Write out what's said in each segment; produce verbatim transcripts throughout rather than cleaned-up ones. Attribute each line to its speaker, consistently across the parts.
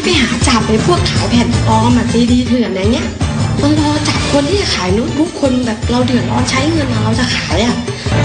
Speaker 1: ไปหาจับในพวกขายแผ่นปลอมอะซีดีเถื่อนอะไรเงี้ยมันรอจับคนที่จะขายโน้ตบุ๊กคนแบบเราเดือดร้อนใช้เงินเราจะขายอะ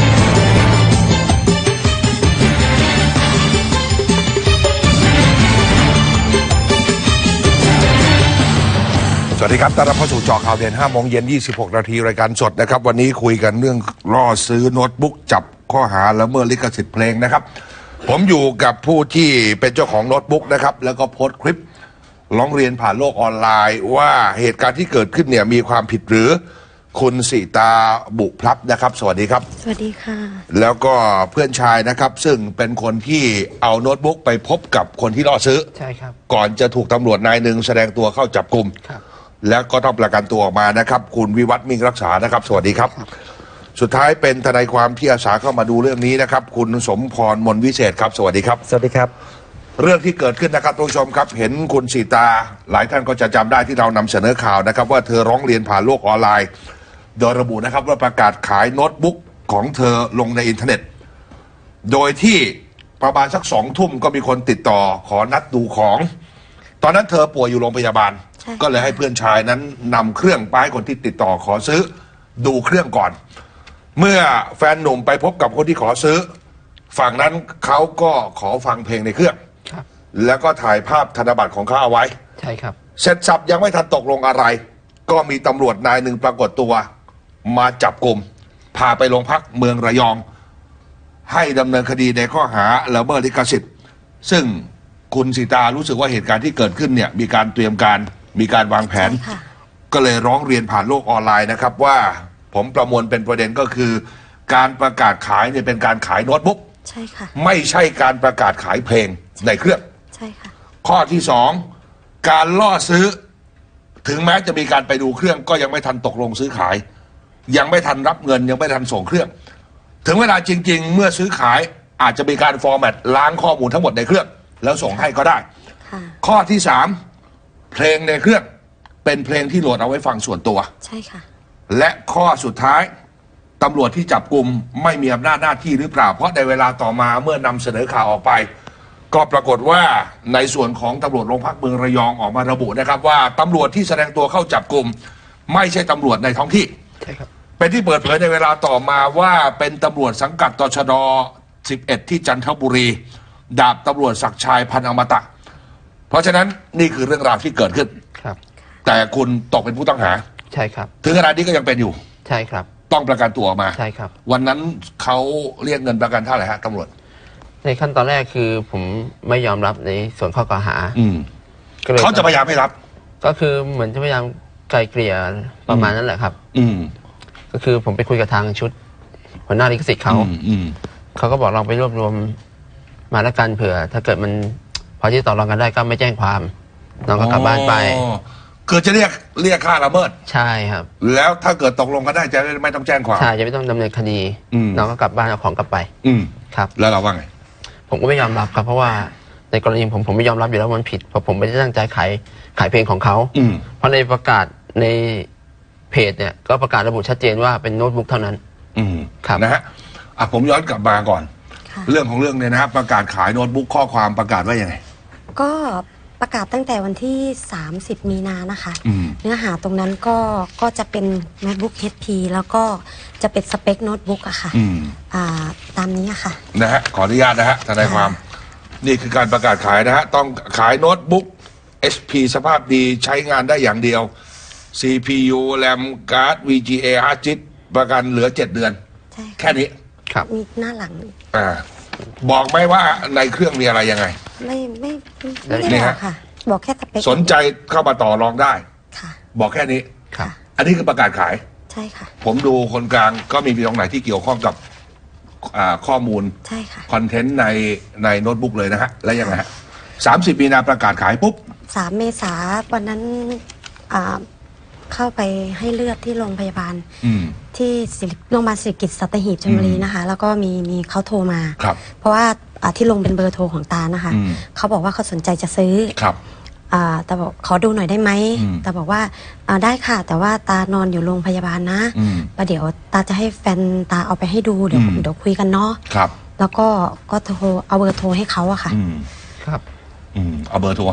Speaker 2: สวัสดีครับต้อนรับเข้าสู่เจาะข่าวเด่นห้าโมงเย็นยี่สิบหกนาทีรายการสดนะครับวันนี้คุยกันเรื่องล่อซื้อโน้ตบุ๊กจับข้อหาละเมิดลิขสิทธิ์เพลงนะครับผมอยู่กับผู้ที่เป็นเจ้าของโน้ตบุ๊กนะครับแล้วก็โพสต์คลิปร้องเรียนผ่านโลกออนไลน์ว่าเหตุการณ์ที่เกิดขึ้นเนี่ยมีความผิดหรือคุณสิตาบุพลับนะครับสวัสดีครับ
Speaker 1: สวัสดีค่ะ
Speaker 2: แล้วก็เพื่อนชายนะครับซึ่งเป็นคนที่เอาโน้ตบุ๊กไปพบกับคนที่ล่อซื้อ
Speaker 3: ใช่ครับ
Speaker 2: ก่อนจะถูกตำรวจนายหนึ่งแสดงตัวเข้าจับกุมแล้วก็ต้องประกันตัวออกมานะครับคุณวิวัฒน์มิ่งรักษานะครับสวัสดีครับสุดท้ายเป็นทนายความที่อาสาเข้ามาดูเรื่องนี้นะครับคุณสมพรมนวิเศษครับสวัสดีครับ
Speaker 3: สวัสดีครับ
Speaker 2: เรื่องที่เกิดขึ้นนะครับทุกผู้ชมครับเห็นคุณสีตาหลายท่านก็จะจำได้ที่เรานำเสนอข่าวนะครับว่าเธอร้องเรียนผ่านโลกออนไลน์โดยระบุนะครับว่าประกาศขายโน้ตบุ๊กของเธอลงในอินเทอร์เน็ตโดยที่ประมาณสักสองทุ่มก็มีคนติดต่อขอนัดดูของตอนนั้นเธอป่วยอยู่โรงพยาบาลก็เลยให้เพื่อนชายนั้นนำเครื่องไปให้คนที่ติดต่อขอซื้อดูเครื่องก่อนเมื่อแฟนหนุ่มไปพบกับคนที่ขอซื้อฝั่งนั้นเขาก็ขอฟังเพลงในเครื่องแล้วก็ถ่ายภาพธนบัตรของเขาเอาไว้
Speaker 3: ใช่ครับ
Speaker 2: เสร็จสับยังไม่ทันตกลงอะไรก็มีตำรวจนายหนึ่งปรากฏตัวมาจับกลุ่มพาไปโรงพักเมืองระยองให้ดำเนินคดีในข้อหาละเมิดลิขสิทธิ์ซึ่งคุณสิตารู้สึกว่าเหตุการณ์ที่เกิดขึ้นเนี่ยมีการเตรียมการมีการวางแผนก็เลยร้องเรียนผ่านโลกออนไลน์นะครับว่าผมประมวลเป็นประเด็นก็คือการประกาศขายเนี่ยเป็นการขายโน้ตบุ๊ก
Speaker 1: ใช่ค่ะ
Speaker 2: ไม่ใช่การประกาศขายเพลงในเครื่อง
Speaker 1: ใช่ค่ะ
Speaker 2: ข้อที่สองการล่อซื้อถึงแม้จะมีการไปดูเครื่องก็ยังไม่ทันตกลงซื้อขายยังไม่ทันรับเงินยังไม่ทันส่งเครื่องถึงเวลาจริงๆเมื่อซื้อขายอาจจะมีการฟอร์แมตล้างข้อมูลทั้งหมดในเครื่องแล้วส่งให้ก็ได้ข้อที่สามเพลงในเครื่องเป็นเพลงที่โหลดเอาไว้ฟังส่วนตัว
Speaker 1: ใช่ค่ะ
Speaker 2: และข้อสุดท้ายตำรวจที่จับกุมไม่มีอำนาจหน้าที่หรือเปล่าเพราะในเวลาต่อมาเมื่อนำเสนอข่าวออกไปก็ปรากฏว่าในส่วนของตำรวจโรงพักเมืองระยองออกมาระบุนะครับว่าตำรวจที่แสดงตัวเข้าจับกุมไม่ใช่ตำรวจในท้องที่
Speaker 3: ใช่ครับ
Speaker 2: เป็นที่เปิดเผยในเวลาต่อมาว่าเป็นตำรวจสังกัดตชดสิบเอ็ดที่จันทบุรีดาบตำรวจศักดิ์ชัยพันอมตะเพราะฉะนั้นนี่คือเรื่องราวที่เกิดขึ้น
Speaker 3: ครับ
Speaker 2: แต่คุณตกเป็นผู้ต้องหา
Speaker 3: ใช่ครับ
Speaker 2: ถึงขนาดนี้ก็ยังเป็นอยู่
Speaker 3: ใช่ครับ
Speaker 2: ต้องประกันตัวออกมา
Speaker 3: ใช่ครับ
Speaker 2: วันนั้นเขาเรียกเงินประกันเท่าไหร่ฮะตำรวจ
Speaker 3: ในขั้นตอนแรกคือผมไม่ยอมรับในส่วนข้อกล่าวหา
Speaker 2: เขาจะพยายามไม่รับ
Speaker 3: ก็คือเหมือนจะพยายามไกลเกลี่ยประมาณนั้นแหละครับ
Speaker 2: อืม
Speaker 3: ก็คือผมไปคุยกับทางชุดหัวหน้าลิขสิทธิ์เขาเขาก็บอกลองไปรวบรวมมาแล้วกันเผื่อถ้าเกิดมันพอที่ต่อรองกันได้ก็ไม่แจ้งความน้องก็กลับบ้านไป
Speaker 2: คือจะเรียกเรียกค่าละเมิด
Speaker 3: ใช่ครับ
Speaker 2: แล้วถ้าเกิดตกลงกันได้จะไม่ต้องแจ้งความ
Speaker 3: ใช่จะไม่ต้องดำเนินคดีน้องก็กลับบ้านเอาของกลับไป
Speaker 2: อืม
Speaker 3: ครับ
Speaker 2: แล้วเราว่าไง
Speaker 3: ผมก็ไม่ยอมรับครับเพราะว่าในกรณีผมผมไม่ยอมรับอยู่แล้วมันผิดเพราะผมไม่ได้ตั้งใจขายขายเพลงของเขาเพราะในประกาศในเพจเนี่ยก็ประกาศระบุชัดเจนว่าเป็นโน้ตบุ๊กเท่านั้น
Speaker 2: อืมครับนะฮะอ่ะผมย้อนกลับมาก่อนเรื่องของเรื่องเนี่ยนะครับประกาศขายโน้ตบุ๊กข้อความประกาศว่ายังไง
Speaker 1: ก็ประกาศตั้งแต่วันที่สามสิบมีนานะคะเนื้อหาตรงนั้นก็ก็จะเป็น MacBook เอช พี แล้วก็จะเป็นสเปคโน้ตบุ๊กอะค่ะอ่าตามนี้ค่ะ
Speaker 2: นะฮะขออนุญาตนะฮะทนายความนี่คือการประกาศขายนะฮะต้องขายโน้ตบุ๊ก เอช พี สภาพดีใช้งานได้อย่างเดียว ซี พี ยู แรม การ์ด วี จี เอ ฮาร์ดดิสก์ประกันเหลือเจ็ดเดือนแค่นี้
Speaker 3: ครับ
Speaker 1: มีหน้าหลัง
Speaker 2: อ่าบอกไหมว่าในเครื่องมีอะไรยังไง
Speaker 1: ไม่ไม่ไม่ได้บอกค่ะบอกแค่สเปค
Speaker 2: สนใจเข้ามาต่อรองได้
Speaker 1: ค่ะ
Speaker 2: บอกแค่นี้
Speaker 3: ครับ
Speaker 2: อันนี้คือประกาศขาย
Speaker 1: ใช่ค่ะ
Speaker 2: ผมดูคนกลางก็มีตรงไหนที่เกี่ยวข้องกับข้อมูล
Speaker 1: ใช่ค่ะ
Speaker 2: คอนเทนต์ในในโน้ตบุ๊กเลยนะฮะแล้วยังไงฮะสามสิบมีนาประกาศขายปุ๊บ
Speaker 1: สามเมษาวันนั้นอ่าเข้าไปให้เลือดที่โรงพยาบาลที่โรงพยาบาลศิริกิติ์สัตหีบชลบุรีนะคะแล้วก็มีมีเขาโทรมาเพราะว่าที่ลงเป็นเบอร์โทรของตานะคะเขาบอกว่าเขาสนใจจะซื้อแต่บอกขอดูหน่อยได้ไหมแต่บอกว่าได้ค่ะแต่ว่าตานอนอยู่โรงพยาบาลนะประเดี๋ยวตาจะให้แฟนตาเอาไปให้ดูเดี๋ยวเดี๋ยวคุยกันเนาะแล้วก็ก็โทรเอาเบอร์โทรให้เขาอะค่ะ
Speaker 2: ครับเอาเบอร์โทรให้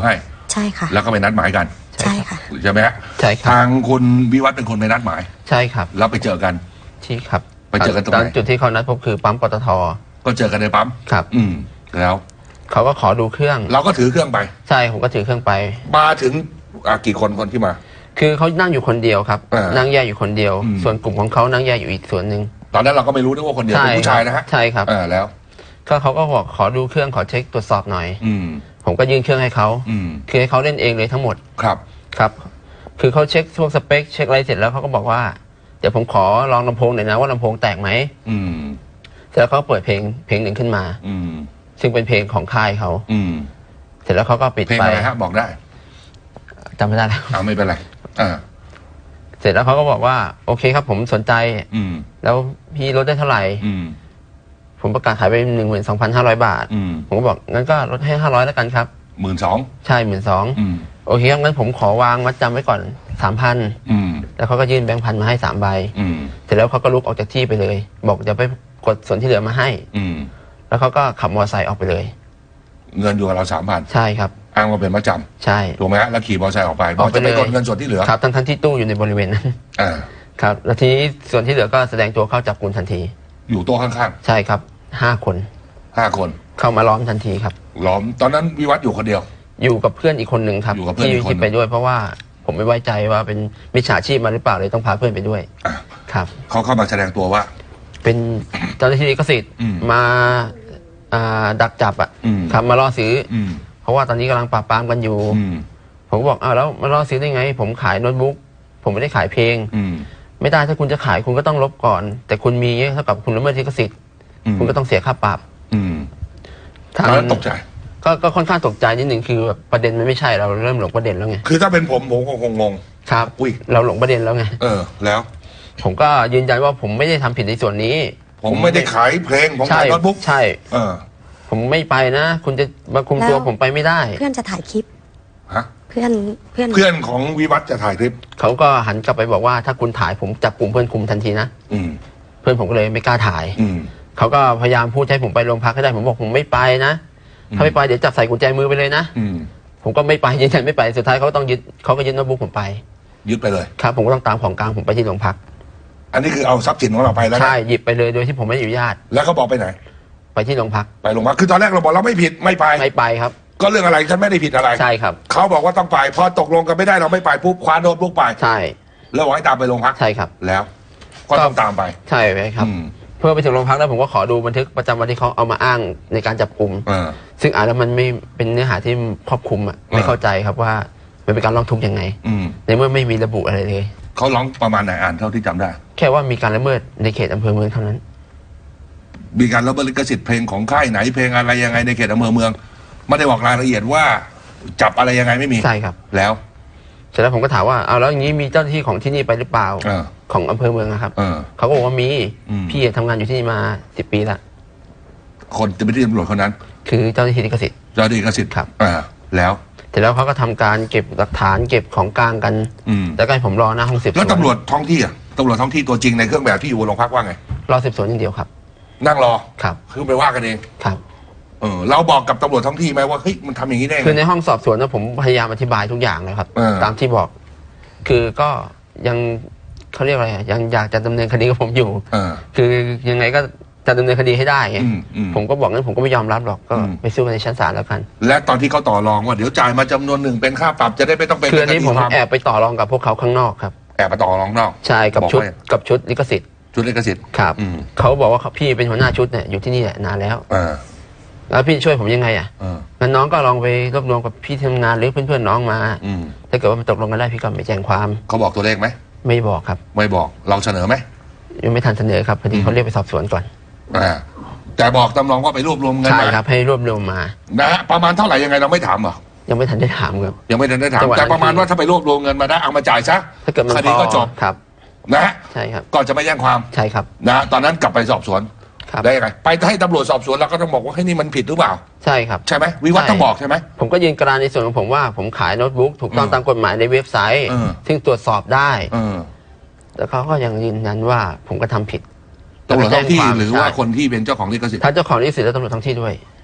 Speaker 1: ใช่ค่ะ
Speaker 2: แล้วก็ไปนัดหมายกัน
Speaker 1: ใช่ค่ะ
Speaker 2: ใช่ไหมฮะ
Speaker 3: ใช่ครับ
Speaker 2: ทางคุณวิวัฒน์เป็นคนไปนัดหมาย
Speaker 3: ใช่ครับ
Speaker 2: แล้วไปเจอกัน
Speaker 3: ที่ครับ
Speaker 2: ไปเจอกันตรงไหน
Speaker 3: จุดที่เขานัดพบคือปั๊มปตท.
Speaker 2: ก็เจอกันในปั๊ม
Speaker 3: ครับ
Speaker 2: อืมแล้ว
Speaker 3: เขาก็ขอดูเครื่อง
Speaker 2: เราก็ถือเครื่องไป
Speaker 3: ใช่ผมก็ถือเครื่องไป
Speaker 2: มาถึงกี่คนคนที่มา
Speaker 3: คือเขานั่งอยู่คนเดียวครับนั่งแยกอยู่คนเดียวส่วนกลุ่มของเขานั่งแยกอยู่อีกส่วนหนึ่ง
Speaker 2: ตอนนั้นเราก็ไม่รู้นะว่าคนเดียวเป็นผู้ชายนะฮะ
Speaker 3: ใช่ครับ
Speaker 2: แล้ว
Speaker 3: ก็เขาก็บอกขอดูเครื่องขอเช็คตรวจสอบหน่อย
Speaker 2: อืม
Speaker 3: ผมก็ยื่นเครื่องให้เขา
Speaker 2: อืม
Speaker 3: คือให้เขาเล่นเองเลยทั้งหมด
Speaker 2: ครับ
Speaker 3: ครับคือเขาเช็คพวกสเปคเช็คอะไรเสร็จแล้วเขาก็บอกว่าเดี๋ยวผมขอลองลำโพงหน่อยนะว่าลำโพงแตกไหม
Speaker 2: อืม
Speaker 3: เสร็จแล้วเขาเปิดเพลงเพลงหนึ่งขึ้นมา
Speaker 2: อืม
Speaker 3: ซึ่งเป็นเพลงของค่ายเขา
Speaker 2: อืม
Speaker 3: เสร็จแล้วเขาก็ปิดไป
Speaker 2: เพลงอะไรฮะบอกได้
Speaker 3: จำไม่ได้แล้ว
Speaker 2: เอาไม่เป็นไรอ่า
Speaker 3: เสร็จแล้วเขาก็บอกว่าโอเคครับผมสนใจ
Speaker 2: อืม
Speaker 3: แล้วพี่ลดได้เท่าไหร่
Speaker 2: อืม
Speaker 3: ผมประกาศขายไปหนึ่งหมื่นสองพันห้าร้อยบาทผมก็บอกงั้นก็ลดให้ห้าร้อยแล้วกันครับ
Speaker 2: หมื่นสอง
Speaker 3: ใช่หมื่นสองโอเคงั้นผมขอวางมัดจำไว้ก่อนสามพันแล้วเขาก็ยื่นแบงค์พันมาให้สามใบเสร็จแล้วเขาก็ลุกออกจากที่ไปเลยบอกจะไปกดส่วนที่เหลือมาให้แล้วเขาก็ขับมอเตอร์ไซค์ออกไปเลย
Speaker 2: เงินอยู่กับเราสามพัน
Speaker 3: ใช่ครับ
Speaker 2: อ้างว่าเป็นมัดจ
Speaker 3: ำใช่
Speaker 2: ถูกไหมฮะแล้วขี่มอเตอร์ไซค์ออกไปบอกจะไปกดเงินส่วนที่เหลือ
Speaker 3: ครับทั้งทั้งที่ตู้อยู่ในบริเวณนั้นครับแล้วทีนี้ส่วนที่เหลือก็แสดงตัวเข้าจับกุมทันที
Speaker 2: อยู่โต๊ะข้าง
Speaker 3: ๆใช่ครับห้าคน
Speaker 2: ห้าคน
Speaker 3: เข้ามาล้อมทันทีครับ
Speaker 2: ล้อมตอนนั้นวิวัฒน์อยู่คนเดียว
Speaker 3: อยู่กับเพื่อนอีกคนหนึ่งครับที่ที่ไปด้วยเพราะว่าผมไม่ไว้ใจว่าเป็นมิจฉาชีพมาหรือเปล่าเลยต้องพาเพื่อนไปด้วยครับ
Speaker 2: เขาเข้ามาแสดงตัวว่า
Speaker 3: เป็นเจ้าหน้าที่ลิขสิทธิ์มาดักจับอ่ะครับมาล่อซื้อเพราะว่าตอนนี้กำลังปราบปรามกันอยู่ผมก็บอกอ้าวแล้วมาล่อซื้อได้ไงผมขายโน้ตบุ๊กผมไม่ได้ขายเพลงไม่ได้ถ้าคุณจะขายคุณก็ต้องลบก่อนแต่คุณมีเท่ากับคุณละเมิดลิขสิทธิ์คุณก็ต้องเสียค่าปรับ
Speaker 2: ทางนั้นตกใจ
Speaker 3: ก็ก็ค่อนข้างตกใจนิดหนึ่งคือแบบประเด็นมันไม่ใช่เราเริ่มหลงประเด็นแล้วไง
Speaker 2: คือถ้าเป็นผมผมคงงง
Speaker 3: ครับอุ้ยเราหลงประเด็นแล้วไง
Speaker 2: เออแล้ว
Speaker 3: ผมก็ยืนยันว่าผมไม่ได้ทำผิดในส่วนนี้
Speaker 2: ผมไม่ได้ขายเพลงผมขายโน้ตบุ๊ก
Speaker 3: ใช่เออผมไม่ไปนะคุณจะมาคุมตัวผมไปไม่ได้
Speaker 1: เพื่อนจะถ่ายคลิป
Speaker 2: ฮะ
Speaker 1: เพื่อนเพื่อน
Speaker 2: เพื่อนของวิวัฒน์จะถ่ายคลิป
Speaker 3: เขาก็หันกลับไปบอกว่าถ้าคุณถ่ายผมจับกลุ่มเพื่อนคุมทันทีนะ
Speaker 2: อืม
Speaker 3: เพื่อนผมก็เลยไม่กล้าถ่าย
Speaker 2: อืม
Speaker 3: เขาก็พยายามพูดให้ผมไปโรงพักให้ได้ผมบอกผมไม่ไปนะถ้าไม่ไปเดี๋ยวจับใส่กุญแจมือไปเลยนะผมก็ไม่ไปยืนยันไม่ไปสุดท้ายเขาก็ต้องยึดเขาก็ยึดโน้ตบุ๊กผมไป
Speaker 2: ยึดไปเลย
Speaker 3: ครับผมก็ต้องตามของกลางผมไปที่โรงพัก
Speaker 2: อันนี้คือเอาทรัพย์สินของเราไปแล้ว
Speaker 3: ใช่หยิบไปเลยโดยที่ผมไม่อนุญาต
Speaker 2: แล้วเขาบอกไปไหน
Speaker 3: ไปที่โรงพัก
Speaker 2: ไปโรงพักคือตอนแรกเราบอกเราไม่ผิดไม่ไป
Speaker 3: ไม่ไปครับ
Speaker 2: ก็เรื่องอะไรฉันไม่ได้ผิดอะไร
Speaker 3: ใช่ครับ
Speaker 2: เขาบอกว่าต้องไปพอตกลงกันไม่ได้เราไม่ไปปุ๊บคว้าโน้ตบุ๊กไป
Speaker 3: ใช่
Speaker 2: แล้วบอกให้ตามไปโรงพัก
Speaker 3: ใช่ครับ
Speaker 2: แล้วก็ต้องตามไป
Speaker 3: ใช่ไหมครับเพื่อไปถึงโรงพักแล้วผมก็ขอดูบันทึกประจำวันที่เขาเอามาอ้างในการจับกุมซึ่งอ่านแล้วมันไม่เป็นเนื้อหาที่ครอบคลุมอ่ะไม่เข้าใจครับว่ามันเป็นการร้องทุกข์ยังไงในเมื่อไม่มีระบุอะไรเลย
Speaker 2: เขาร้องประมาณไหนอ่านเท่าที่จำได้
Speaker 3: แค่ว่ามีการละเมิดในเขตอำเภอเมืองเท่านั้น
Speaker 2: มีการละเมิดลิขสิทธิ์เพลงของค่ายไหนเพลงอะไรยังไงในเขตอำเภอเมืองไม่ได้บอกรายละเอียดว่าจับอะไรยังไงไม่มี
Speaker 3: ใช่ครับ
Speaker 2: แล้ว
Speaker 3: เสร็จแล้วผมก็ถามว่าเอาแล้วอย่างนี้มีเจ้าหน้าที่ของที่นี่ไปหรือเปล่าของอำเภอเมืองนะครับเขาก็บอกว่ามีพี่ทำงานอยู่ที่นี่มาสิบปีละ
Speaker 2: คนจะไม่ได้ตำรวจคนนั้น
Speaker 3: คือเจ้าหน้าที่ลิขสิทธิ์
Speaker 2: เจ้าหน้าที่ลิขสิทธิ์
Speaker 3: ครับ
Speaker 2: อ่าแล้ว
Speaker 3: เสร็จแล้วเขาก็ทำการเก็บหลักฐานเก็บของกลางกันแล้วก็ให้ผมรอหน้าห้องสืบสวน
Speaker 2: แล้วตำรวจท้องที่อ่ะตำรวจท้องที่ตัวจริงในเครื่องแบบที่อยู่โรงพักว่าไง
Speaker 3: รอสืบสวนอย่างเดียวครับ
Speaker 2: นั่งรอ
Speaker 3: ครับ
Speaker 2: คือไปว่ากันเอง
Speaker 3: ครับ
Speaker 2: เออเราบอกกับตำรวจท้องที่ไหมว่าเฮ้ยมันทำอย่างนี้ได้
Speaker 3: คือในห้องสอบสวนนะผมพยายามอธิบายทุกอย่างเลยครับตามที่บอกคือก็ยังเขาเรียกอะไรยังอยากจะดำเนินคดีกับผมอยู่คือยังไงก็จะดำเนินคดีให้ได้ผมก็บอกงั้นผมก็ไม่ยอมรับหรอกก็ไปสู้กันในชั้นศาลแล้วกัน
Speaker 2: และตอนที่เขาต่อรองว่าเดี๋ยวจ่ายมาจำนวนหนึ่งเป็นค่าปรับจะได้ไม่ต้องเป็น
Speaker 3: คืออันนี้ผมแอบไปต่อรองกับพวกเขาข้างนอกครับ
Speaker 2: แอบไปต่อรองนอก
Speaker 3: ใช่กับชุดกับชุดลิขสิทธิ์
Speaker 2: ชุดลิขสิทธิ์
Speaker 3: ครับเขาบอกว่าพี่เป็นหัวหน้าชุดเนี่ยอยู่ที่นี่นานแล้วแล้วพี่ช่วยผมยังไงอ่ะงั้นน้องก็ลองไปรวบรวมกับพี่ทำงานหรือเพื่อนๆน้องมาถ้าเกิดว่ามันตกลงกันได้พี่ก็ไม่แจ้งความ
Speaker 2: เขาบอกตัวเลขไหม
Speaker 3: ไม่บอกครับ
Speaker 2: ไม่บอกเราเสนอไหม
Speaker 3: ยังไม่ทันเสนอครับพอดีเขาเรียกไปสอบสวนก่อน
Speaker 2: อ่าแต่บอกตำรวจว่าไปรวบรวมเงิน
Speaker 3: มาใช่ครับให้รวบรวมมา
Speaker 2: นะฮะประมาณเท่าไหร่ยังไงเราไม่ถามหรอ
Speaker 3: ยังไม่ทันได้ถามครับ
Speaker 2: ยังไม่ทันได้ถามแต่ประมาณว่าถ้าไปรวบรวมเงินมาได้เอามาจ่ายซะ
Speaker 3: ถ้าเกิดมัน
Speaker 2: คดีก็จบ
Speaker 3: ครับ
Speaker 2: นะ
Speaker 3: ใช่ครับ
Speaker 2: ก่อนจะไม่แจ้งความ
Speaker 3: ใช่ครับ
Speaker 2: นะตอนนั้นกลับไปสอบสวนได้ยังไงไปให้ตำรวจสอบสวนเราก็ต้องบอกว่าให้นี่มันผิดหรือเปล่า
Speaker 3: ใช่ครับ
Speaker 2: ใช่ไหมวิวัฒน์ต้องบอกใช่ไหม
Speaker 3: ผมก็ยืนกรานในส่วนของผมว่าผมขายโน้ตบุ๊กถูกต้องตามกฎหมายในเว็บไซต์ซึ่งตรวจสอบได้แต่เขาก็ยังยืนยันว่าผมก็ทำผิด
Speaker 2: ตำรวจท้องที่หรือว่าคนที่เป็นเจ้าของลิขสิทธิ์
Speaker 3: ถ้าเจ้าของลิขสิทธิ์และตำรวจท้องที่ด้วย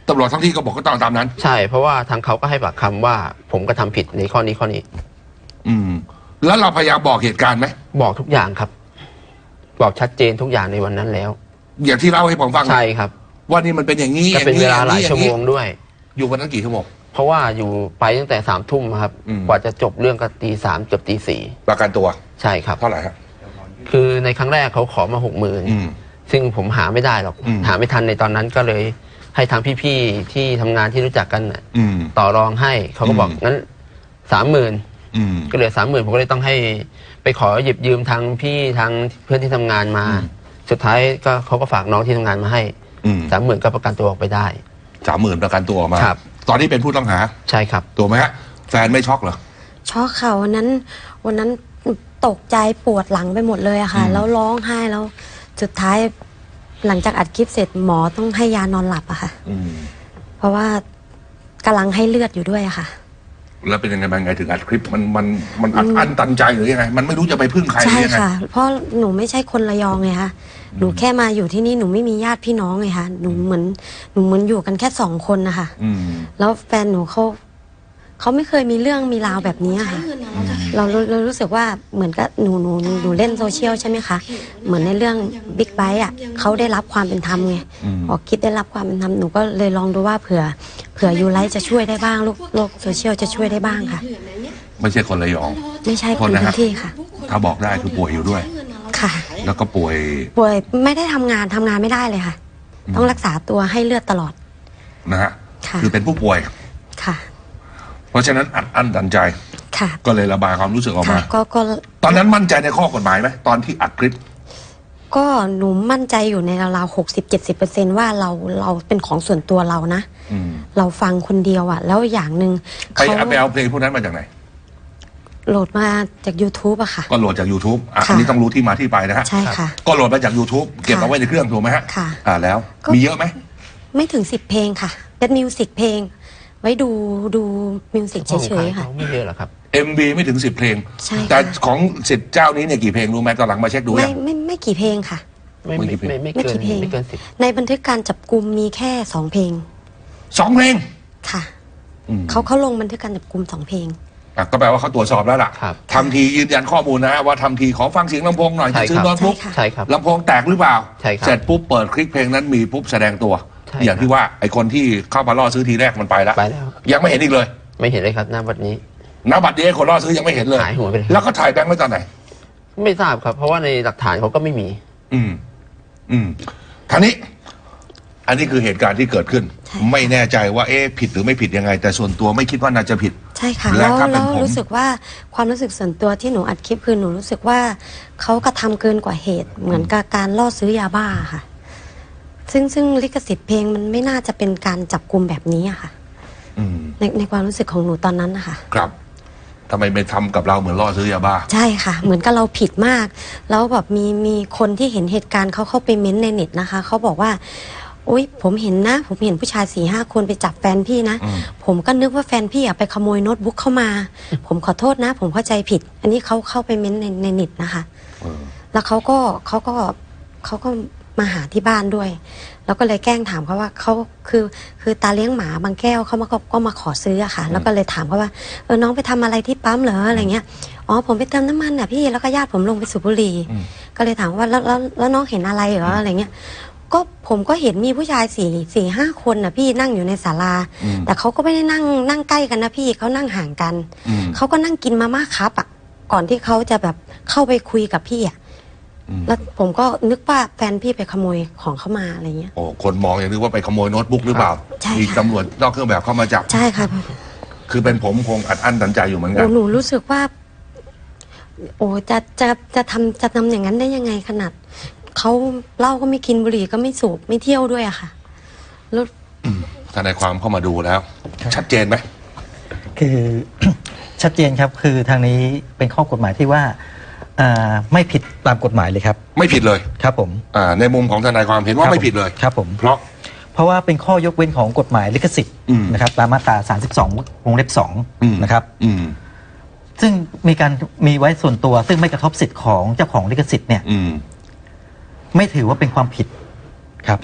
Speaker 2: ตำรวจท้องที่ก็บอกก็ต้องตามนั้น
Speaker 3: ใช่เพราะว่าทางเขาก็ให้ปากคำว่าผมกระทำผิดในข้อนี้ข้อนี้
Speaker 2: อืมแล้วเราพยายามบอกเหตุการณ์ไหม
Speaker 3: บอกทุกอย่างครับบอกชัดเจนทุกอย่างในวันนั้นแล้ว
Speaker 2: อย่างที่เล่าให้ผมฟัง
Speaker 3: ใช่ครับ
Speaker 2: ว่านี่มันเป็นอย่างนี้
Speaker 3: ก็เป็นเวลาหลายชั่วโมงด้วย
Speaker 2: อยู่วันนั้นกี่ชั่วโมง
Speaker 3: เพราะว่าอยู่ไปตั้งแต่สามทุ่มครับกว่าจะจบเรื่องก็ตีสามเกือบตีสี่
Speaker 2: ประกันตัว
Speaker 3: ใช่ครับ
Speaker 2: เท่าไหร่ครับ
Speaker 3: คือในครั้งแรกเขาขอมาหกหมื่นซึ่งผมหาไม่ได้หรอกหาไม่ทันในตอนนั้นก็เลยให้ทางพี่ๆที่ทำงานที่รู้จักกันต่อรองให้เขาก็บอกงั้นสามหมื่นก็เหลือสามหมื่นผมก็เลยต้องให้ไปขอหยิบยืมทางพี่ทางเพื่อนที่ทำงานมาสุดท้ายก็เขาก็ฝากน้องที่ทำงานมาให้สามหมื่นก็ประกันตัวออกไปได้
Speaker 2: สามหมื่นประกันตัวออกมาตอนนี้เป็นผู้ต้องหา
Speaker 3: ใช่ครับ
Speaker 2: ตัวไหมฮะแฟนไม่ช็อกเหรอ
Speaker 1: ช็อกค่ะวันนั้นวันนั้นตกใจปวดหลังไปหมดเลยอะค่ะแล้วร้องไห้แล้วสุดท้ายหลังจากอัดคลิปเสร็จหมอต้องให้ยานอนหลับอะค่ะเพราะว่ากำลังให้เลือดอยู่ด้วยอะค่ะ
Speaker 2: แล้วเป็นยังไงบ้างไงถึงอัดคลิปมันมันมันอัดอั้นตันใจหรือยังไงมันไม่รู้จะไปพึ่งใคร
Speaker 1: ใช่ค่ะเพราะหนูไม่ใช่คนระยองไงคะหนูแค่มาอยู่ที่นี่หนูไม่มีญาติพี่น้องไงคะหนูเหมือนหนูเหมือนอยู่กันแค่สองคนนะคะแล้วแฟนหนูเขาเขาไม่เคยมีเรื่องมีราวแบบนี้ค่ะเราเรารู้สึกว่าเหมือนกับหนูหนูหนูเล่นโซเชียลใช่ไหมคะเหมือนในเรื่องบิ๊กไบค์อ่ะเขาได้รับความเป็นธรรมไงออกคิดได้รับความเป็นธรรมหนูก็เลยลองดูว่าเผื่อเผื่อยูไลท์จะช่วยได้บ้างโลกโลกโซเชียลจะช่วยได้บ้างค่ะ
Speaker 2: ไม่ใช่คนระยอง
Speaker 1: ไม่ใช่คนพื้นที่ค่ะ
Speaker 2: ถ้าบอกได้คือป่วยอยู่ด้วย
Speaker 1: ค่ะ
Speaker 2: แล้วก็ป่วย
Speaker 1: ป่วยไม่ได้ทำงานทำงานไม่ได้เลยค่ะต้องรักษาตัวให้เลือดตลอด
Speaker 2: นะฮะคือเป็นผู้ป่วย
Speaker 1: ค่ะ
Speaker 2: เพราะฉะนั้นอัดอั้นตันใจก็เลยระบายความรู้สึกออกมาตอนนั้นมั่นใจในข้อกฎหมายไหมตอนที่อัดคลิป
Speaker 1: ก็หนูมั่นใจอยู่ในราวๆหกสิบเจ็ดสิบเปอร์เซนต์ว่าเราเราเป็นของส่วนตัวเรานะเราฟังคนเดียวอ่ะแล้วอย่างหนึ่ง
Speaker 2: ไปไปเอาเพลงพวกนั้นมาจากไหน
Speaker 1: โหลดมาจาก ยูทูบ อะค่ะ
Speaker 2: ก็โหลดจาก ยูทูบ อ่ะอันนี้ต้องรู้ที่มาที่ไปนะฮะ
Speaker 1: ใช่ค่ะ
Speaker 2: ก็โหลดมาจาก ยูทูบ เก็บเอาไว้ในเครื่องถูกไหมฮะ
Speaker 1: ค่ะ
Speaker 2: อ่าแล้วมีเยอะไหม
Speaker 1: ไม่ถึงสิบเพลงค่ะเป็นมิวสิกเพลงไว้ดูดูมิวสิกเฉยๆค่ะ
Speaker 3: ไม่เยอะหรอครับ
Speaker 2: เอ็ม วี ไม่ถึงสิบเพลงแต่ของสิทธิ์เจ้านี้เนี่ยกี่เพลงรู้ไหมตอนหลังมาเช็คดู
Speaker 1: ไม่ไม่ไม่กี่เพลงค่ะ
Speaker 3: ไม่ไม่ไม่ไม่เกินไม่เกินสิบ
Speaker 1: ในบันทึกการจับกุมมีแค่สองเพลง
Speaker 2: สองเพลง
Speaker 1: ค่ะเขาเขาลงบันทึกการจับกุมสองเพลง
Speaker 2: ก็แปลว่าเขาตรวจสอบแล้วล่ะทำทียืนยันข้อมูลนะว่าทำทีขอฟังเสียงลำโพงหน่อยจะซื้อโน้ตบุ๊กลำโพงแตกหรือเปล่าเสร็จปุ๊บเปิดคลิปเพลงนั้นมีปุ๊บแสดงตัวอย่างที่ว่าไอคนที่เข้ามาล่อซื้อทีแรกมันไปแล้วยังไม่เห็นอีกเลย
Speaker 3: ไม่เห็นเลยครับหน้าบัตรนี้
Speaker 2: หน้าบัตรนี้คนล่อซื้อยังไม่เห็นเลย
Speaker 3: หายหัวไปเลย
Speaker 2: แล้วก็ถ่ายแบงค์ไว้ตอนไหน
Speaker 3: ไม่ทราบครับเพราะว่าในหลักฐานเขาก็ไม่มี
Speaker 2: อืมอืมท่านี้อันนี้คือเหตุการณ์ที่เกิดขึ้นไม่แน่ใจว่าเอ๊ะผิดหรือไม่ผิดยังไงแต่ส่วนตัวไม่คิดว่าน่าจะผิด
Speaker 1: ใช่ค่ะแล้วแล้วรู้สึกว่าความรู้สึกส่วนตัวที่หนูอัดคลิปคือหนูรู้สึกว่าเขากระทำเกินกว่าเหตุเหมือนกับการล่อซื้อยาบ้าค่ะซึ่งซึ่งลิขสิทธิ์เพลงมันไม่น่าจะเป็นการจับกุมแบบนี้อะค่ะในในความรู้สึกของหนูตอนนั้นนะคะ
Speaker 2: ครับทำไมไปทำกับเราเหมือนล่อซื้อยาบ้า
Speaker 1: ใช่ค่ะเหมือนกับเราผิดมากแล้วแบบมีมีคนที่เห็นเหตุการณ์เขาเข้าไปเม้นในเน็ตนะคะเขาบอกว่าอุ๊ยผมเห็นนะผมเห็นผู้ชายสี่ห้าคนไปจับแฟนพี่นะผมก็นึกว่าแฟนพี่อะไปขโมยโน้ตบุ๊กเข้ามาผมขอโทษนะผมเข้าใจผิดอันนี้เขาเข้าไปเม้นในในเน็ตนะคะแล้วเขาก็เขาก็เขาก็มาหาที่บ้านด้วยแล้วก็เลยแกล้งถามเขาว่าเขาคือคือตาเลี้ยงหมาบางแก้วเขามาก็ก็มาขอซื้ออะค่ะแล้วก็เลยถามเขาว่าเออน้องไปทำอะไรที่ปั๊มเหรออะไรเงี้ยอ๋อผมไปเติมน้ำมันอ่ะพี่แล้วก็ญาติผมลงไปสูบบุหรี่ก็เลยถามว่าแล้วแล้วแล้วน้องเห็นอะไรเหรออะไรเงี้ยก็ผมก็เห็นมีผู้ชายสี่สี่ห้าคนน่ะพี่นั่งอยู่ในศาลาแต่เขาก็ไม่ได้นั่งนั่งใกล้กันนะพี่เขานั่งห่างกันเขาก็นั่งกินมาม่าครับอ่ะก่อนที่เขาจะแบบเข้าไปคุยกับพี่อ่ะแล้วผมก็นึกว่าแฟนพี่ไปขโมยของเข้ามาอะไรเงี้ย
Speaker 2: โอ้คนมองอย่างนึกว่าไปขโมยโน้ตบุ๊กหรือเปล่ามีตำรวจนอกเครื่องแบบเข้ามาจับ
Speaker 1: ใช่ครับ
Speaker 2: คือเป็นผมคงอัดอั้นตันใจอยู่เหมือนกัน
Speaker 1: หนูรู้สึกว่าโอ้จะจะจะทำจะทำอย่างนั้นได้ยังไงขนาดเขาเหล้าก็ไม่กินบุหรี่ก็ไม่สูบไม่เที่ยวด้วยอะค่ะแล้ว
Speaker 2: ทนายความเข้ามาดูแล้วชัดเจนไหม
Speaker 4: คือชัดเจนครับคือทางนี้เป็นข้อกฎหมายที่ว่าไม่ผิดตามกฎหมายเลยครับ
Speaker 2: ไม่ผิดเลย
Speaker 4: ครับผม
Speaker 2: ในมุมของทนายความเห็นว่าไม่ผิดเลย
Speaker 4: ครับผม
Speaker 2: เพราะ
Speaker 4: เพราะว่าเป็นข้อยกเว้นของกฎหมายลิขสิทธิ์นะครับตามมาตราสามสิบสองวงเล็บสองนะครับซึ่งมีการมีไว้ส่วนตัวซึ่งไม่กระทบสิทธิ์ของเจ้าของลิขสิทธิ์เนี่ยไม่ถือว่าเป็นความผิดครับ
Speaker 2: นะฮะ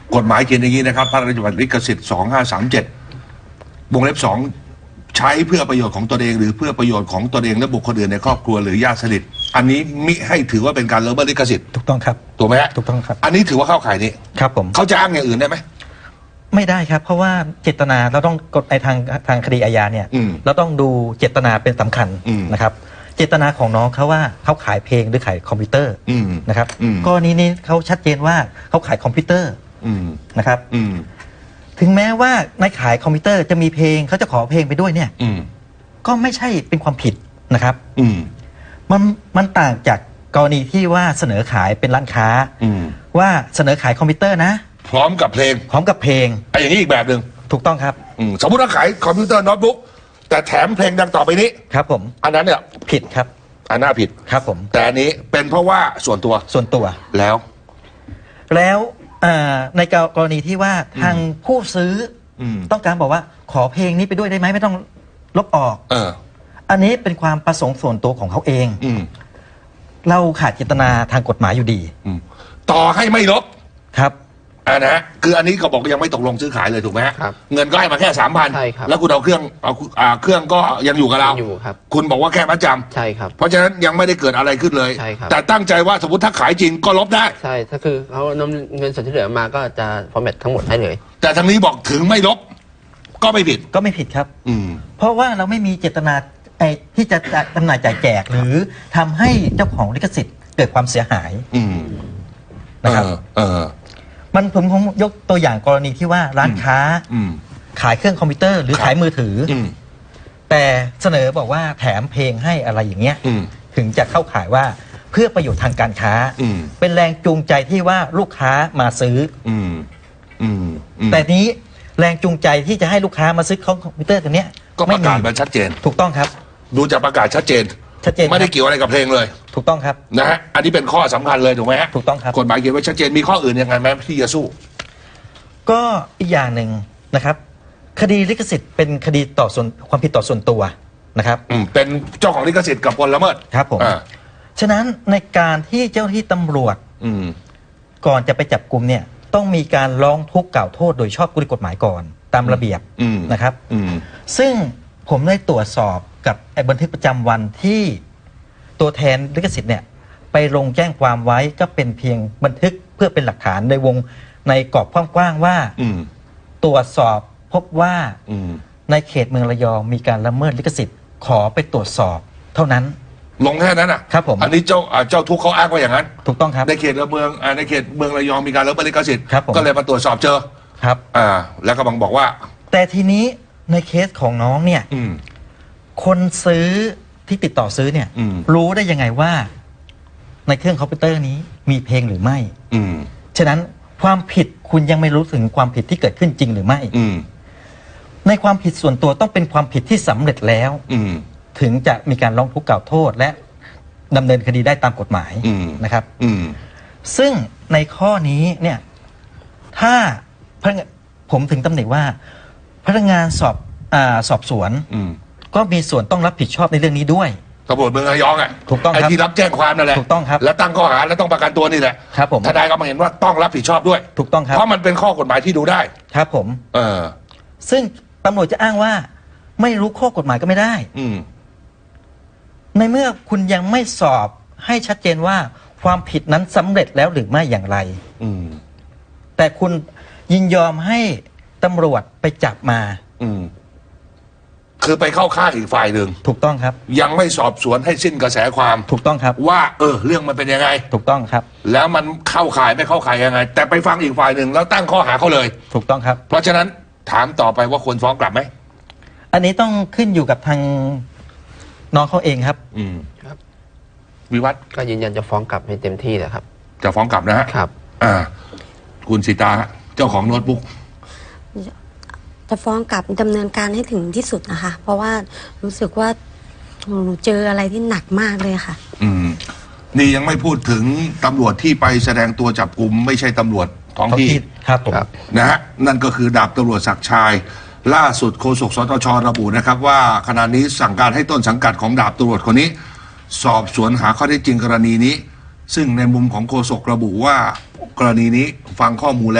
Speaker 2: กฎหมายเขียนอย่างนี้นะครับพระราชบัญญัติลิขสิทธิ์สองห้าสามเจ็ดวงเล็บสองใช้เพื่อประโยชน์ของตนเองหรือเพื่อประโยชน์ของตนเองและบุคคลอื่นในครอบครัวหรือญาติสนิทอันนี้มิให้ถือว่าเป็นการละเมิดลิขสิทธิ์
Speaker 4: ถูกต้องครับ
Speaker 2: ถูกไหมฮะ
Speaker 4: ถูกต้องครับ
Speaker 2: อันนี้ถือว่าเข้าข่ายนี้
Speaker 4: ครับผม
Speaker 2: เขาจะอ้างอย่างอื่นได้ไหม
Speaker 4: ไม่ได้ครับ เพราะว่าเจตนาเราต้องกฎในทางทางคดีอาญาเนี่ย
Speaker 2: อืม
Speaker 4: เราต้องดูเจตนาเป็นสำคัญ
Speaker 2: อืม
Speaker 4: นะครับ เจตนาของน้องเขาว่าเขาขายเพลงหรือขายคอมพิวเตอร์
Speaker 2: อืม
Speaker 4: นะครับ
Speaker 2: อืม
Speaker 4: กรณีนี้เขาชัดเจนว่าเขาขายคอมพิวเตอร์
Speaker 2: อืม
Speaker 4: นะครับ
Speaker 2: อืม
Speaker 4: ถึงแม้ว่าในขายคอมพิวเตอร์จะมีเพลงเขาจะขอเพลงไปด้วยเนี่ย
Speaker 2: อืม
Speaker 4: ก็ไม่ใช่เป็นความผิดนะครับ
Speaker 2: อืม
Speaker 4: มันมันต่างจากกรณีที่ว่าเสนอขายเป็นร้านค้า
Speaker 2: อืม
Speaker 4: ว่าเสนอขายคอมพิวเตอร์นะ
Speaker 2: พร้อมกับเพลง
Speaker 4: พร้อมกับเพลง
Speaker 2: ไอ้อย่างนี้อีกแบบหนึ่ง
Speaker 4: ถูกต้องครับ
Speaker 2: อืมสมมติว่าขายคอมพิวเตอร์โน้ตบุ๊กแต่แถมเพลงดังต่อไปนี้
Speaker 4: ครับผม
Speaker 2: อันนั้นเนี่ย
Speaker 4: ผิดครับ
Speaker 2: อันน่าผิด
Speaker 4: ครับผม
Speaker 2: แต่อันนี้เป็นเพราะว่าส่วนตัว
Speaker 4: ส่วนตัว
Speaker 2: แล้ว
Speaker 4: แล้วอ่าในกรณีที่ว่าทางผู้ซื้ออ
Speaker 2: ม
Speaker 4: ต้องการบอกว่าขอเพลงนี้ไปด้วยได้ไหมไม่ต้องลบออก
Speaker 2: เออ
Speaker 4: อันนี้เป็นความประสงค์ส่วนตัวของเขาเอง
Speaker 2: อืม
Speaker 4: เราขาดเจตนาทางกฎหมายอยู่ดี
Speaker 2: อืมต่อให้ไม่ลบ
Speaker 4: ครับ
Speaker 2: อ่านะฮะคืออันนี้ก็บอกยังไม่ตกลงซื้อขายเลยถูกไหมฮะ
Speaker 3: ครับ
Speaker 2: เงินก็ให้มาแค่สามพัน
Speaker 3: ใช่ครับ
Speaker 2: แล้วคุณเอาเครื่องเอาอ่าเครื่องก็ยังอยู่กับเรา
Speaker 3: ยังอยู่ครับ
Speaker 2: คุณบอกว่าแค่มัดจำ
Speaker 3: ใช่ครับ
Speaker 2: เพราะฉะนั้นยังไม่ได้เกิดอะไรขึ้นเลย
Speaker 3: ใช่ครับ
Speaker 2: แต่ตั้งใจว่าสมมติถ้าขายจริงก็ลบได้
Speaker 3: ใช่ถ้าคือเขานำเงินส่วนที่เหลือมาก็จะฟอร์แมตทั้งหมดให้เลย
Speaker 2: แต่ทางนี้บอกถึงไม่ลบ ก็ไม่ผิด
Speaker 4: ก็ไม่ผิดครับ
Speaker 2: อืม
Speaker 4: เพราะว่าเราไม่มีเจตนาไอ้ที่จะจำหน่ายจ่ายแจกหรือทำให้เจ้าของลิขสิทธิ์เกิดความเสียหาย
Speaker 2: อืม
Speaker 4: นะครับ
Speaker 2: เออเออ
Speaker 4: มันผมผมยกตัวอย่างกรณีที่ว่าร้านค้า
Speaker 2: อืม
Speaker 4: ขายเครื่องคอมพิวเตอร์ หรือ
Speaker 2: ครับ
Speaker 4: ขายมือถืออ
Speaker 2: อืม
Speaker 4: แต่เสนอบอกว่าแถมเพลงให้อะไรอย่างเงี้ย
Speaker 2: อืม
Speaker 4: ถึงจะเข้าขายว่าเพื่อประโยชน์ทางการค้า
Speaker 2: อืม
Speaker 4: เป็นแรงจูงใจที่ว่าลูกค้ามาซื้อ
Speaker 2: อืม อืมอื
Speaker 4: อ
Speaker 2: ม
Speaker 4: แต่นี้แรงจูงใจที่จะให้ลูกค้ามาซื้อคอมพิวเตอร์ตัวเนี้ย
Speaker 2: ก็ประกาศมันชัดเจน
Speaker 4: ถูกต้องครับ
Speaker 2: ดูจากประกาศชัดเจน
Speaker 4: ชัดเจน
Speaker 2: ไม่ได้
Speaker 4: ครับ
Speaker 2: เกี่ยวอะไรกับเพลงเลย
Speaker 4: ถูกต้องครับ
Speaker 2: นะฮะ อันนี้เป็นข้อสำคัญเลยถูกไหมฮะ
Speaker 4: ถูกต้องครับ
Speaker 2: กฎหมายเขียนไว้ชัดเจน มีข้ออื่นยังไงไหมที่จะสู้
Speaker 4: ก็อีกอย่างหนึ่งนะครับ คดีลิขสิทธิ์เป็นคดีต่อส่วนความผิดต่อส่วนตัวนะครับ
Speaker 2: อืม เป็นเจ้าของลิขสิทธิ์กับคนละเมิด
Speaker 4: ครับผม
Speaker 2: อ่า
Speaker 4: ฉะนั้นในการที่เจ้าหน้าที่ตำรวจ
Speaker 2: อืม
Speaker 4: ก่อนจะไปจับกลุ่มเนี่ยต้องมีการร้องทุกข์กล่าวโทษโดยชอบด้วยกฎหมายก่อนตามระเบียบ
Speaker 2: อืม
Speaker 4: นะครับ
Speaker 2: อืม
Speaker 4: ซึ่งผมได้ตรวจสอบกับไอ้บันทึกประจำวันที่ตัวแทนลิขสิทธิ์เนี่ยไปลงแจ้งความไว้ก็เป็นเพียงบันทึกเพื่อเป็นหลักฐานในวงในกรอบกว้างๆว่า
Speaker 2: อืม
Speaker 4: ตรวจสอบพบว่า
Speaker 2: อืม
Speaker 4: ในเขตเมืองระยองมีการละเมิดลิขสิทธิ์ขอไปตรวจสอบเท่านั้น
Speaker 2: ลงแค่นั้นอ่ะ
Speaker 4: ครับผม
Speaker 2: อันนี้เจ้าอ่าเจ้าทุกข์เขาอ้างว่าอย่างนั้น
Speaker 4: ถูกต้องครับ
Speaker 2: ในเขตเมืองอ่าในเขตเมืองระยองมีการละเมิดลิขสิทธิ์
Speaker 4: ครับผม
Speaker 2: ก็เลยมาตรวจสอบเจอ
Speaker 4: ครับ
Speaker 2: อ่า แล้วก็บังบอกว่า
Speaker 4: แต่ทีนี้ในเคสของน้องเนี่ย
Speaker 2: อืม
Speaker 4: คนซื้อที่ติดต่อซื้อเนี่ย
Speaker 2: อืม
Speaker 4: รู้ได้ยังไงว่า ในเครื่องคอมพิวเตอร์นี้มีเพลงหรือไม่
Speaker 2: อืม
Speaker 4: ฉะนั้นความผิดคุณยังไม่รู้ถึงความผิดที่เกิดขึ้นจริงหรือไม่
Speaker 2: อืม
Speaker 4: ในความผิดส่วนตัวต้องเป็นความผิดที่สำเร็จแล้ว
Speaker 2: อืม
Speaker 4: ถึงจะมีการร้องทุกข์กล่าวโทษ และดำเนินคดีได้ตามกฎหมาย
Speaker 2: อืม
Speaker 4: นะครับ
Speaker 2: อืม
Speaker 4: ซึ่งในข้อนี้เนี่ยถ้าพนักงานผมถึงตำหนิว่า พนักงานสอบอาสอบสวน
Speaker 2: อืม
Speaker 4: ก็มีส่วนต้องรับผิดชอบในเรื่องนี้ด้วย
Speaker 2: ตำรวจเมืองระยองอ่ะ
Speaker 4: ถูกต้องครับ
Speaker 2: ไอ้ที่รับแจ้งความนั่นแหละ
Speaker 4: ถูกต้องครับ
Speaker 2: แล้วตั้งข้อหาแล้วต้องประกันตัวนี่แหละ
Speaker 4: ครับผม
Speaker 2: ทนายก็มาเห็นว่าต้องรับผิดชอบด้วย
Speaker 4: ถูกต้องครับ
Speaker 2: เพราะมันเป็นข้อกฎหมายที่ดูได้
Speaker 4: ครับผม
Speaker 2: เออ
Speaker 4: ซึ่งตำรวจจะอ้างว่า ไม่รู้ข้อกฎหมายก็ไม่ได้
Speaker 2: อืม
Speaker 4: ในเมื่อคุณยังไม่สอบให้ชัดเจนว่าความผิดนั้นสำเร็จแล้วหรือไม่อย่างไร
Speaker 2: อืม
Speaker 4: แต่คุณยินยอมให้ตำรวจไปจับมา
Speaker 2: อืม คือไปเข้าข้างอีกฝ่ายหนึ่ง
Speaker 4: ถูกต้องครับ
Speaker 2: ยังไม่สอบสวนให้สิ้นกระแสความ
Speaker 4: ถูกต้องครับ
Speaker 2: ว่า เออ เรื่องมันเป็นยังไง
Speaker 4: ถูกต้องครับ
Speaker 2: แล้วมันเข้าข่ายไม่เข้าข่ายยังไง แต่ไปฟังอีกฝ่ายหนึ่งแล้วตั้งข้อหาเขาเลย
Speaker 4: ถูกต้องครับ
Speaker 2: เพราะฉะนั้นถามต่อไปว่าควรฟ้องกลับไหม
Speaker 4: อันนี้ต้องขึ้นอยู่กับทางน้องเขาเองครับ
Speaker 2: อืม
Speaker 3: ครับ
Speaker 2: วิวัฒน์
Speaker 3: ก็ยืนยันจะฟ้องกลับให้เต็มที่แหละครับ
Speaker 2: จะฟ้องกลับนะฮะ
Speaker 3: ครับ
Speaker 2: อ่า คุณสีตาฮะเจ้าของโน้ตบุ๊ก
Speaker 1: จะฟ้องกลับดำเนินการให้ถึงที่สุดนะคะ เพราะว่ารู้สึกว่าหนูเจออะไรที่หนักมากเลยค่ะ
Speaker 2: อืม นี่ยังไม่พูดถึงตำรวจที่ไปแสดงตัวจับกลุ่มไม่ใช่ตำรวจท้องที่
Speaker 4: ครับผม
Speaker 3: ครับ
Speaker 2: นะฮะนั่นก็คือดาบตำรวจศักดิ์ชัยล่าสุดโฆษกสตชระบุนะครับว่าขณะนี้สั่งการให้ต้นสังกัดของดาบตำรวจคนนี้ สอบสวนหาข้อเท็จจริงกรณีนี้ ซึ่งในมุมของโฆษกระบุว่ากรณีนี้ฟังข้อมูลแล้ว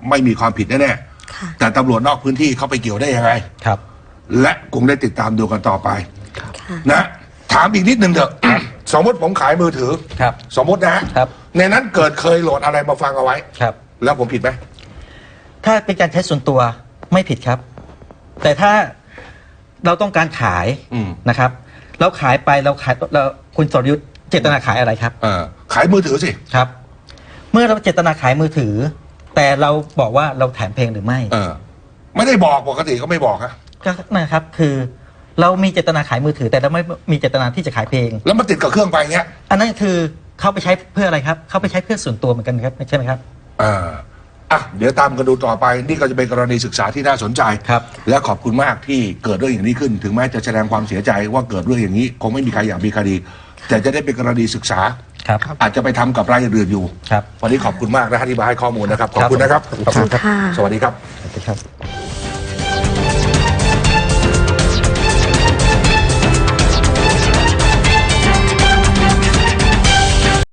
Speaker 2: ไม่มีความผิดแน่
Speaker 1: ค่ะ
Speaker 2: ๆแต่ตำรวจนอกพื้นที่เขาไปเกี่ยวได้ยังไง
Speaker 4: ครับ
Speaker 2: และคงได้ติดตามดูกันต่อไป
Speaker 1: ค่ะ
Speaker 2: นะถามอีกนิดนึงเถอะ สมมติผมขายมือถือ
Speaker 4: ครับ
Speaker 2: สมมตินะฮะ
Speaker 4: ครับ
Speaker 2: ในนั้นเกิดเคยโหลดอะไรมาฟังเอาไว้
Speaker 4: ครับ
Speaker 2: แล้วผมผิดไหม
Speaker 4: ถ้าเป็นการใช้ส่วนตัวไม่ผิดครับ แต่ถ้าเราต้องการขาย
Speaker 2: อืม
Speaker 4: นะครับ เราขายไปเราขายเราคุณสรยุทธ์เจตนาขายอะไรครับ
Speaker 2: เออขายมือถือสิ
Speaker 4: ครับ เมื่อเราเจตนาขายมือถือ แต่เราบอกว่าเราแถมเพลงหรือไม่
Speaker 2: เออ ไม่ได้บอกปกติก็ไม่บอกฮะ
Speaker 4: ก็นะครับคือเรามีเจตนาขายมือถือ แต่เราไม่มีเจตนาที่จะขายเพลง
Speaker 2: แล้วมันติดกับเครื่องไปเงี้ย
Speaker 4: อันนั้นคือเขาไปใช้เพื่ออะไรครับเขาไปใช้เพื่อส่วนตัวเหมือนกันครับใช่ไหมครับ
Speaker 2: อ่าอ่ะเดี๋ยวตามกันดูต่อไป นี่ก็จะเป็นกรณีศึกษาที่น่าสนใจ
Speaker 4: ครับ
Speaker 2: และขอบคุณมากที่เกิดเรื่องอย่างนี้ขึ้น ถึงแม้จะแสดงความเสียใจว่าเกิดเรื่องอย่างนี้ คงไม่มีใครอยากมีคดี แต่จะได้เป็นกรณีศึกษา
Speaker 4: ครับ
Speaker 2: อาจจะไปทำกับรายอื่นอยู่
Speaker 4: ครับ
Speaker 2: วันนี้ขอบคุณมากนะฮะที่มาให้ข้อมูลนะครับ ขอบคุณนะครับ
Speaker 4: ขอบคุณครับ
Speaker 1: ค่ะ
Speaker 2: สวัสดีครับ
Speaker 4: สวัสดีครับ